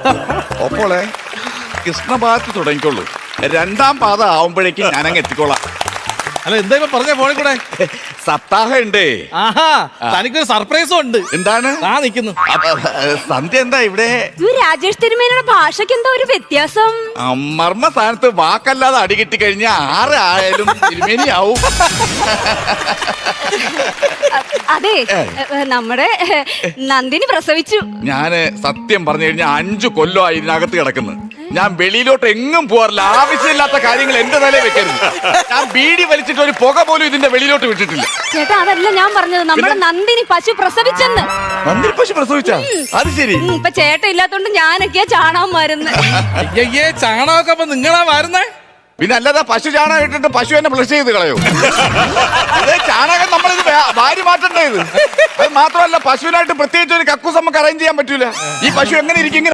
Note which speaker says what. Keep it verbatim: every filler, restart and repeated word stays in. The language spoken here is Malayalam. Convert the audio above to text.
Speaker 1: ഒപ്പോളെ കൃഷ്ണഭാഗത്ത് തുടങ്ങിക്കോളൂ, രണ്ടാം പാത ആവുമ്പോഴേക്കും ഞാനങ്ങ് എത്തിക്കോളാം.
Speaker 2: അല്ല എന്താ ഇപ്പൊ പറഞ്ഞ ഫോണിൽ കൂടെ?
Speaker 1: സപ്താഹം ഉണ്ട്.
Speaker 2: ആഹാ, തനിക്കൊരു സർപ്രൈസും ഉണ്ട്.
Speaker 1: എന്താണ്?
Speaker 2: ആ നിക്കുന്നു.
Speaker 1: സന്ധ്യ എന്താ ഇവിടെ?
Speaker 3: രാജേഷ് തിരുമേനിയുടെ ഭാഷയ്ക്ക് എന്താ ഒരു വ്യത്യാസം?
Speaker 1: മർമ്മ സ്ഥാനത്ത് വാക്കല്ലാതെ അടി കിട്ടി കഴിഞ്ഞാൽ ആറ് ആയാലും തിരുമേനിയാവും.
Speaker 3: അതെ, നമ്മുടെ നന്ദിനി പ്രസവിച്ചു.
Speaker 1: ഞാന് സത്യം പറഞ്ഞു കഴിഞ്ഞാൽ അഞ്ചു കൊല്ലമായി ഇതിനകത്ത് കിടക്കുന്നു. ഞാൻ വെളിയിലോട്ട് എങ്ങും പോകാറില്ല. ആവശ്യമില്ലാത്ത കാര്യങ്ങൾ എന്റെ തലയിൽ വെക്കരുത്. ഞാൻ ബീഡി വലിച്ചിട്ട് ഒരു പുക പോലും ഇതിന്റെ വെളിയിലോട്ട് വിട്ടിട്ടില്ല.
Speaker 3: ചേട്ടാ, അതല്ല ഞാൻ പറഞ്ഞത്, നമ്മുടെ നന്ദിനി പശു പ്രസവിച്ചെന്ന്.
Speaker 1: നന്ദിനി പശു പ്രസവിച്ചാ? അത് ശരി.
Speaker 3: ഇപ്പൊ ചേട്ടൻ ഇല്ലാത്തോണ്ട് ഞാനൊക്കെയാ ചാണകം വരുന്നത്.
Speaker 2: അയ്യേ, ചാണകമൊക്കെ അപ്പൊ നിങ്ങളാ വരുന്നേ?
Speaker 1: പിന്നെ അല്ലാതെ പശു ചാണകം ഇട്ടിട്ട് പശു എന്നെ ഫ്ലഷ് ചെയ്ത് കളയോ? അതേ ചാണകം നമ്മളിത് വാരി മാറ്റണ്ടേ ഇത്? അത് മാത്രമല്ല, പശുവിനായിട്ട് പ്രത്യേകിച്ച് ഒരു കക്കൂസ് നമുക്ക് അറേഞ്ച് ചെയ്യാൻ പറ്റൂല. ഈ പശു എങ്ങനെ ഇരിക്കും?